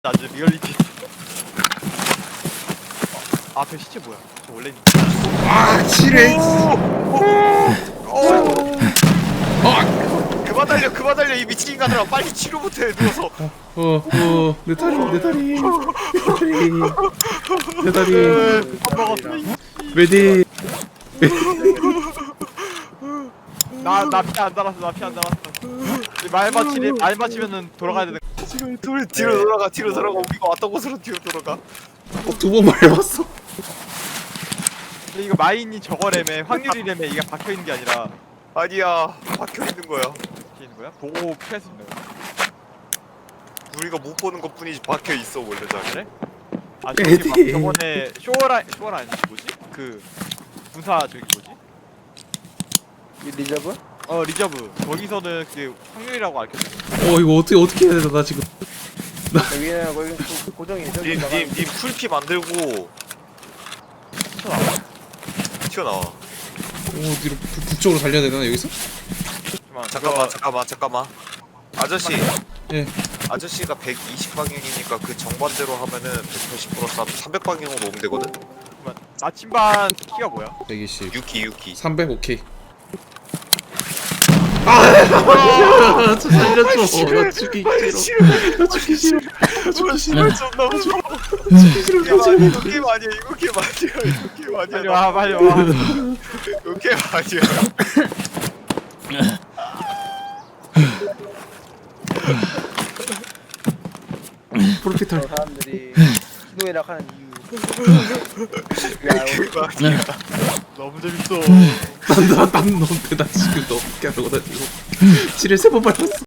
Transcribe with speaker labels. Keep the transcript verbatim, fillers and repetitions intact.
Speaker 1: 아주 리얼리티. 어, 앞에 시체 뭐야? 저 원래 있는.
Speaker 2: 아 지뢰.
Speaker 1: 어. 그만 달려, 그만 달려 이 미친 인간들아, 빨리 치료 못해 누워서.
Speaker 2: 어어내 다리 내 다리 내 다리 내 다리
Speaker 1: 밥 먹었어.
Speaker 2: 메디.
Speaker 1: 나나 피 안 달았어, 나 피 안 달았어. 말 맞히니 말 맞히면은 돌아가야 되는. 지금 둘 뒤로 돌아가, 뒤로 돌아가. 우리가 왔던 곳으로 뒤로 돌아가.
Speaker 2: 두 번 말해봤어.
Speaker 1: 근데 이거 마인이 저거래매, 확률이래매. 이게 박혀 있는 게 아니라.
Speaker 3: 아니야, 박혀 있는 거야.
Speaker 1: 박혀 있는 거야? 보고 피할 수 있는 거야.
Speaker 3: 우리가 못 보는 것 뿐이지 박혀 있어 원래 다.
Speaker 1: 그래? 아 저기 막 저번에 쇼어라 쇼어라 아니지 뭐지? 그 군사 저기 뭐지?
Speaker 4: 이 리저브?
Speaker 1: 어 리저브. 거기서는 그게 확률이라고 알려줬어.
Speaker 2: 어 이거 어떻게 어떻게 해야 되나 나 지금.
Speaker 4: 여기는 거기 고- 고정이 저기 나가-
Speaker 3: 님님님 풀피 만들고
Speaker 1: 튀어나와.
Speaker 3: 튀어나와.
Speaker 2: 어 뒤로 북- 북쪽으로 달려야 되나 여기서?
Speaker 1: 잠깐만
Speaker 3: 잠깐만 잠깐만 잠깐만. 아저씨
Speaker 2: 예.
Speaker 3: 아저씨가 백이십 방향이니까 그 정반대로 하면은 백팔십 플러스 삼백 방향으로 오면 되거든.
Speaker 1: 잠깐만. 나침반 키가 뭐야?
Speaker 2: 백이십.
Speaker 3: 유키 유키.
Speaker 2: 삼백 오케이. 아! 저 살려줘. 나 죽기 싫어. 나 죽기 싫어. 나 죽기 싫어.
Speaker 3: 존나 무서워.
Speaker 2: 죽기 싫어.
Speaker 3: 이거
Speaker 2: 나
Speaker 3: 게임
Speaker 2: 죽기
Speaker 3: 아니야 이거 게임 아니야 이거 게임 아니야
Speaker 1: 빨리 와 빨리 와.
Speaker 3: 이거 게임 아니야.
Speaker 2: 프로피탈.
Speaker 4: 저 사람들이 신호이라 하는 이유. 야,
Speaker 3: 게임 아니야.
Speaker 1: 너무 재밌어.
Speaker 2: 난난 너한테 나 지금 너무 웃겨 하고 다니고. 지뢰 세번 밟았어.